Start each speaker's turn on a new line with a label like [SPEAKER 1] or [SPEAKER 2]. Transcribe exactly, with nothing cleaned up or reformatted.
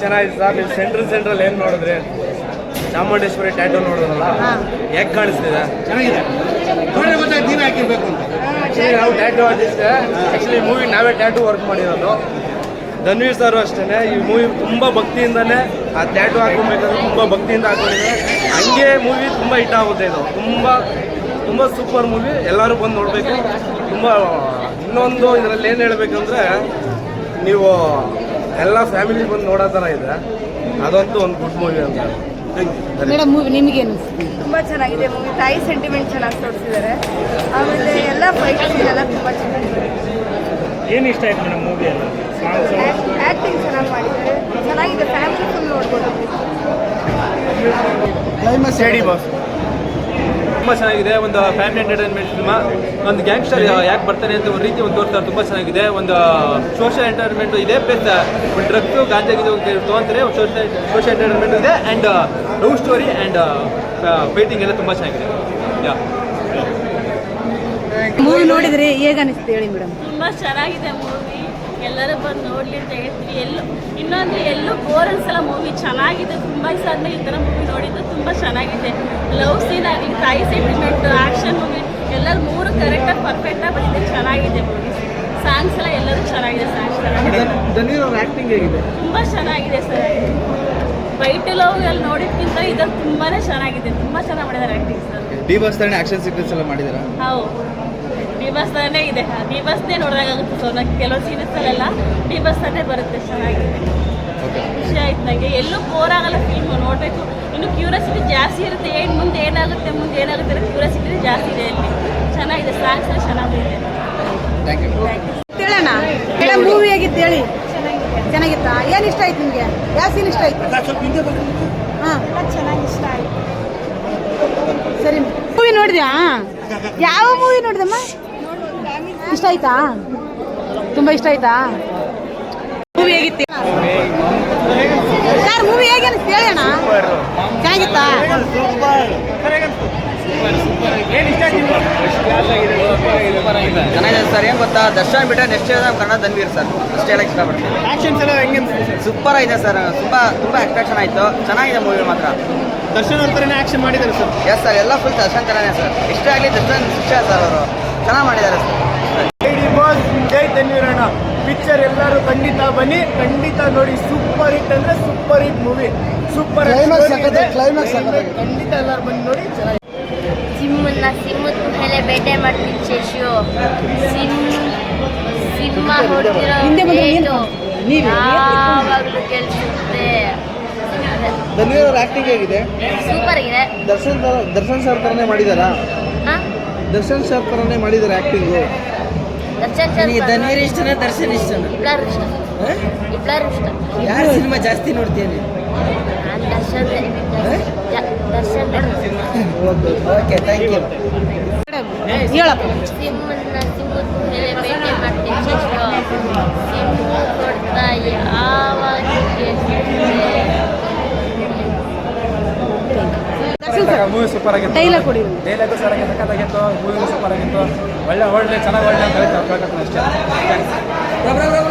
[SPEAKER 1] ಚೆನ್ನಾಗಿದೆ ಸರ್. ನೀವು central central ಏನು ನೋಡಿದ್ರಿ, ಚಾಮುಂಡೇಶ್ವರಿ ಟ್ಯಾಟೂ ನೋಡೋದಲ್ಲ ಹೇಗೆ ಕಾಣಿಸ್ತಿದೆ,
[SPEAKER 2] ಚೆನ್ನಾಗಿದೆ. ನೀವೇ ಹಾಕಿರ್ಬೇಕು ಅಂತ
[SPEAKER 1] ನಾವು ಟ್ಯಾಟೂ ಆರ್ಟಿಸ್ಟ್. ಆ್ಯಕ್ಚುಲಿ ಮೂವಿ ನಾವೇ ಟ್ಯಾಟೂ ವರ್ಕ್ ಮಾಡಿರೋದು. ಧನ್ವೀರ್ ಸರ್ ಅಷ್ಟೇ ಈ ಮೂವಿ ತುಂಬ ಭಕ್ತಿಯಿಂದನೇ ಆ ಟ್ಯಾಟೂ ಹಾಕೊಬೇಕಾದ್ರೆ ತುಂಬ ಭಕ್ತಿಯಿಂದ ಹಾಕೊಂಡಿದ್ದಾರೆ. ಹಂಗೆ ಮೂವಿ ತುಂಬ ಹಿಟ್ ಆಗುತ್ತೆ. ಇದು ತುಂಬ ತುಂಬ ಸೂಪರ್ ಮೂವಿ, ಎಲ್ಲರೂ ಬಂದು ನೋಡಬೇಕು. ತುಂಬ ಇನ್ನೊಂದು ಇದರಲ್ಲಿ ಏನು ಹೇಳಬೇಕಂದ್ರೆ, ನೀವು ಎಲ್ಲ ಫ್ಯಾಮಿಲಿ ಬಂದು ನೋಡೋ ಥರ ಇದೆ. ಅದಂತೂ ಒಂದು ಗುಡ್ ಮೂವಿ ಅಂತ.
[SPEAKER 3] ಮೇಡಮ್ ಮೂವಿ ನಿಮಗೇನು?
[SPEAKER 4] ತುಂಬ ಚೆನ್ನಾಗಿದೆ ಮೂವಿ. ತಾಯಿ ಸೆಂಟಿಮೆಂಟ್ ಚೆನ್ನಾಗಿ ತೋರಿಸಿದ್ದಾರೆ. ಆಮೇಲೆ ಎಲ್ಲ ಫೈಟ್ ಎಲ್ಲ ತುಂಬ ಚೆನ್ನಾಗಿದೆ.
[SPEAKER 5] ಏನು ಇಷ್ಟ ಆಯ್ತು ಮೇಡಮ್ ಮೂವಿ ಎಲ್ಲ?
[SPEAKER 4] ಆ್ಯಕ್ಟಿಂಗ್ ಚೆನ್ನಾಗಿ ಮಾಡಿದ್ದಾರೆ, ಚೆನ್ನಾಗಿದೆ. ಫ್ಯಾಮಿಲಿ ಫುಲ್ ನೋಡ್ಬೋದು.
[SPEAKER 2] ಕ್ಲೈಮ್ಯಾಕ್ಸ್ ಹೇಳಿ ಬಾಸ್.
[SPEAKER 6] ತುಂಬ ಚೆನ್ನಾಗಿದೆ. ಒಂದು ಫ್ಯಾಮಿಲಿ ಎಂಟರ್ಟೈನ್ಮೆಂಟ್ ಫಿಲ್ಮ. ಒಂದು ಗ್ಯಾಂಗ್ಸ್ಟರ್ ಯಾಕೆ ಬರ್ತಾನೆ ಅಂತ ಒಂದು ರೀತಿ ಒಂದು ತೋರಿಸ್ತಾರೆ. ತುಂಬ ಚೆನ್ನಾಗಿದೆ. ಒಂದು ಸೋಷಿಯಲ್ ಎಂಟರ್ಟೈನ್ಮೆಂಟ್ ಇದೆ, ಪ್ಲಸ್ ಒಂದು ಡ್ರಗ್ಸು ಗಾಂಜಾ ಗಿಜು ತೊಗೊಂತಾರೆ. ಒಂದು ಸೋಷಿಯಲ್ ಸೋಷಿಯಲ್ ಎಂಟರ್ಟೈನ್ಮೆಂಟ್ ಇದೆ, and love story and fighting ಎಲ್ಲ ತುಂಬ ಚೆನ್ನಾಗಿದೆ. ಯಾ
[SPEAKER 3] ಮೂವಿ ನೋಡಿದ್ರಿ ಹೇಗೆ ಅನಿಸ್ತು ಹೇಳಿ ಮೇಡಮ್?
[SPEAKER 7] ತುಂಬ ಚೆನ್ನಾಗಿದೆ ಮೂವಿ, ಎಲ್ಲರೂ ಬಂದು ನೋಡಲಿ ಅಂತ ಹೇಳ್ತೀವಿ. ಎಲ್ಲೂ ಇನ್ನೊಂದು ಎಲ್ಲೂ ಬೋರ್ ಅನ್ಸಲ್ಲ. ಮೂವಿ ಚೆನ್ನಾಗಿದೆ. ತುಂಬ ದಿವಸ ಆದ್ಮೇಲೆ ಈ ಥರ ಮೂವಿ ನೋಡಿದ್ದು ತುಂಬ ಚೆನ್ನಾಗಿದೆ. ಲವ್ ಸೀನ್ ಆಗಲಿ, ತಾಯಿ ಸೆಂಟಿಮೆಂಟ್, ಆ್ಯಕ್ಷನ್ ಮೂವಿ ಎಲ್ಲರೂ ಮೂರು ಕರೆಕ್ಟಾಗಿ ಪರ್ಫೆಕ್ಟಾಗಿ ಬಂದಿದೆ. ಚೆನ್ನಾಗಿದೆ ಮೂವಿ. ಸಾಂಗ್ಸ್ ಎಲ್ಲ ಎಲ್ಲರೂ ಚೆನ್ನಾಗಿದೆ. ಸಾಂಗ್ಸ್
[SPEAKER 2] ಧನ್ವೀರ್ ಅವ್ರ ಆ್ಯಕ್ಟಿಂಗ್ ಹೇಗಿದೆ?
[SPEAKER 7] ತುಂಬ ಚೆನ್ನಾಗಿದೆ ಸರ್. ವೈಟ್ ಲವ್ ಅಲ್ಲಿ ನೋಡಿದ್ಕಿಂತ ಇದ್ರಲ್ಲಿ ತುಂಬಾ ಚೆನ್ನಾಗಿದೆ. ತುಂಬ ಚೆನ್ನಾಗಿ ಮಾಡಿದ್ದಾರೆ ಆ್ಯಕ್ಟಿಂಗ್ ಸರ್.
[SPEAKER 2] ಡಿ ಬಾಸ್ ಥರನೇ ಆಕ್ಷನ್ ಸೀಕ್ವೆನ್ಸ್ ಎಲ್ಲ ಮಾಡಿದಾರಾ?
[SPEAKER 7] ಹೌದು, ಡಿ ಬಸ್ ತಾನೇ ಇದೆ. ಡಿ ಬಸ್ನೇ ನೋಡಿದಾಗುತ್ತೆ. ಸೊ ನಂಗೆ ಕೆಲವು ಸೀರೀಸಲ್ಲೆಲ್ಲ ಡಿ ಬಸ್ ತಾನೇ ಬರುತ್ತೆ. ಚೆನ್ನಾಗಿದೆ, ಖುಷಿ ಆಯ್ತು ನನಗೆ. ಎಲ್ಲೂ ಬೋರ್ ಆಗಲ್ಲ ಫಿಲ್ಮ್ ನೋಡಬೇಕು. ಇನ್ನು ಕ್ಯೂರಿಯಾಸಿಟಿ ಜಾಸ್ತಿ ಇರುತ್ತೆ. ಏನು ಮುಂದೆ ಏನಾಗುತ್ತೆ ಮುಂದೆ ಏನಾಗುತ್ತೆ ಅನ್ನೋ ಕ್ಯೂರಿಯಾಸಿಟಿ ಜಾಸ್ತಿ ಇದೆ ಅಲ್ಲಿ. ಚೆನ್ನಾಗಿದೆ. ಸಾಂಗ್ಸ್ ಎಲ್ಲ ಚೆನ್ನಾಗಿದೆ.
[SPEAKER 2] Thank you.
[SPEAKER 3] ಹೇಳೋಣ ಮೇಡಮ್ ಮೂವಿ ಹೇಗಿತ್ತು ಹೇಳಿ? ಚೆನ್ನಾಗಿತ್ತಾ? ಏನು ಇಷ್ಟ ಆಯ್ತು ನಿಮಗೆ? ಯಾವ ಸೀನ್ ಇಷ್ಟ ಆಯ್ತು? ಹಾಂ
[SPEAKER 4] ಚೆನ್ನಾಗಿ ಇಷ್ಟ ಆಯಿತು.
[SPEAKER 3] ಸರಿ, ಮೂವಿ ನೋಡಿದ್ಯಾ? ಯಾವ ಮೂವಿ ನೋಡಿದಮ್ಮ? ಇಷ್ಟ ಆಯ್ತಾ? ತುಂಬ ಇಷ್ಟ ಆಯ್ತಾ? ಮೂವಿ ಹೇಗಿತ್ತು ಸರ್? ಮೂವಿ ಹೇಗೆ ಅನಿಸ್ತು ಹೇಳೋಣ? ಚೆನ್ನಾಗಿತ್ತಾ?
[SPEAKER 8] ಚೆನ್ನಾಗಿದೆ ಸರ್. ಏನು ಗೊತ್ತಾ, ದರ್ಶನ್ ಬಿಟ್ಟರೆ ನೆಕ್ಸ್ಟ್ ನಮ್ಮ ಕನ್ನಡ ಧನ್ವೀರ್ ಸರ್ ಅಷ್ಟೇ ಹೇಳಕ್ಕೆ ಇಷ್ಟಪಡ್ತೀನಿ.
[SPEAKER 2] ಆಕ್ಷನ್ಸ್ ಎಲ್ಲ ಹೆಂಗೆ
[SPEAKER 8] ಸೂಪರ್ ಆಗಿದೆ ಸರ್. ತುಂಬ ತುಂಬ ಅಟ್ರಾಕ್ಷನ್ ಆಯಿತು. ಚೆನ್ನಾಗಿದೆ ಮೂವಿ ಮಾತ್ರ.
[SPEAKER 2] ದರ್ಶನ್ ಅವ್ರ ಥರನೇ ಆಕ್ಷನ್ ಮಾಡಿದ್ದಾರೆ ಸರ್.
[SPEAKER 8] ಎಸ್ ಸರ್, ಎಲ್ಲ ಫುಲ್ ದರ್ಶನ್ ಥರನೇ ಸರ್. ಇಷ್ಟ ಆಗಲಿ ದರ್ಶನ್ ಶಿಕ್ಷ ಸರ್. ಅವರು ಚೆನ್ನಾಗಿ ಮಾಡಿದ್ದಾರೆ ಸರ್.
[SPEAKER 1] ಜೈ ಬಾಸ್, ಜೈ ಧನ್ವೀರಣ್ಣ. ಪಿಕ್ಚರ್ ಎಲ್ಲರೂ ಖಂಡಿತ ಬನ್ನಿ, ಖಂಡಿತ ನೋಡಿ. ಸೂಪರ್ ಹಿಟ್ ಅಂದ್ರೆ super hit movie. Super
[SPEAKER 2] climax
[SPEAKER 1] ಖಂಡಿತ ಎಲ್ಲರೂ ಬಂದು ನೋಡಿ. ಚೆನ್ನಾಗಿ
[SPEAKER 4] ಸಿಂಹನ ಸಿಂಹದ ಮೇಲೆ ಬೇಟೆ ಮಾಡ್ತೀನಿ ಶೇಷು. ಸಿಂಹ ಸಿಂಹ ಹೊಡೆದಿರೋ
[SPEAKER 3] ನೀವು
[SPEAKER 4] ಯಾವಾಗಲೂ ಕೇಳಿಸುತ್ತೆ.
[SPEAKER 2] ಧನ್ವೀರ್ ಅವ್ರ ಆ್ಯಕ್ಟಿಂಗ್ ಹೇಗಿದೆ?
[SPEAKER 4] ಸೂಪರ್ ಆಗಿದೆ.
[SPEAKER 2] ದರ್ಶನ್ ಥರ ದರ್ಶನ್ ಸರ್ ಥರನೇ ಮಾಡಿದಾರಾ?
[SPEAKER 4] ಹಾಂ,
[SPEAKER 2] ದರ್ಶನ್ ಸರ್ ಥರನೇ ಮಾಡಿದ್ದಾರೆ ಆ್ಯಕ್ಟಿಂಗು.
[SPEAKER 4] ದರ್ಶನ್ ಸರ್
[SPEAKER 8] ಧನ್ವೀರ್ ಇಷ್ಟನಾ ದರ್ಶನ್ ಇಷ್ಟನಾ?
[SPEAKER 4] ಇಬ್ಬರು ಇಷ್ಟ. ಇಬ್ಬರು ಇಷ್ಟ.
[SPEAKER 8] ಯಾರು ಸಿನಿಮಾ ಜಾಸ್ತಿ ನೋಡ್ತೀನಿ?
[SPEAKER 4] ನಾನು Darshan Darshan
[SPEAKER 8] okay, thank you.
[SPEAKER 3] ಹೇಳಪ್ಪ.
[SPEAKER 4] ಸಿಂಹನ ಸಿಂಹದ ಮೇಲೆ ಬೇಟೆ ಮಾಡ್ತೀನಿ ಶೇಷು. ಸಿಂಹ ಕೊಡ್ತಾ ಯಾವಾಗ
[SPEAKER 1] ಮೂವಿ ಸೂಪರ್ ಆಗಿತ್ತು.
[SPEAKER 3] ಡೈಲಾಗ್ ಕೊಡಿ.
[SPEAKER 1] ಡೈಲಾಗು ಸರ್ ಆಗಿ ಸಖತ್ತಾಗಿತ್ತು. ಮೂವಿ ಸೂಪರ್ ಆಗಿತ್ತು. ಒಳ್ಳೆ ಒಳ್ಳೆ ಚೆನ್ನಾಗಿ ಒಳ್ಳೆ ಅಂತ ಹೇಳ್ತಾರೆ ಅಷ್ಟೇ.